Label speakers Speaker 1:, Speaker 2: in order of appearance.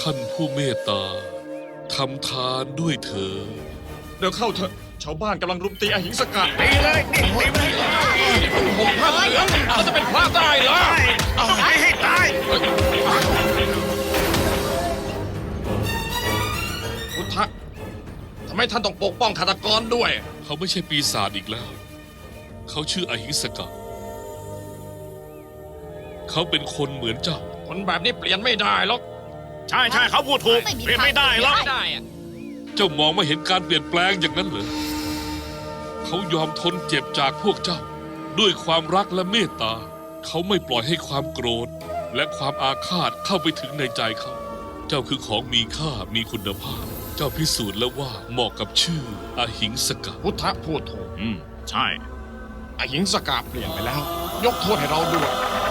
Speaker 1: ท่านผู้เมตตาทำทานด้วยเถิด
Speaker 2: เดี๋ยวเข้าเถอะชาวบ้านกำลังรุมตีอหิงสกะ
Speaker 3: ตีเลยนี่ตีไปเลย
Speaker 2: ผมพระเหลืองเราจะเป็นพระได้เหรอ
Speaker 3: ต้องไปให้ตาย
Speaker 2: พุทธะทำไมท่านต้องปกป้องฆาตกรด้วย
Speaker 1: เขาไม่ใช่ปีศาจอีกแล้ว เขาชื่ออหิงสกะ เขาเป็นคนเหมือนเจ้า
Speaker 2: คนแบบนี้เปลี่ยนไม่ได้หรอก
Speaker 3: ใช่ใช่เขาพูดถูกเปลี่ยนไม่ได้หรอก
Speaker 2: ไม่ได้อะ
Speaker 1: เจ้ามองไม่เห็นการเปลี่ยนแปลงอย่างนั้นเหรอ เขายอมทนเจ็บจากพวกเจ้า ด้วยความรักและเมตตา เขาไม่ปล่อยให้ความโกรธ และความอาฆาตเข้าไปถึงในใจเขา เจ้าคือของมีค่ามีคุณภาพ เจ้าพิสูจน์แล้วว่าเหมาะกับชื่ออหิงสกะ
Speaker 2: พุทธะพูดถูก
Speaker 3: ใช่
Speaker 2: อหิงสกะเปลี่ยนไปแล้ว ยกโทษให้เราด้วย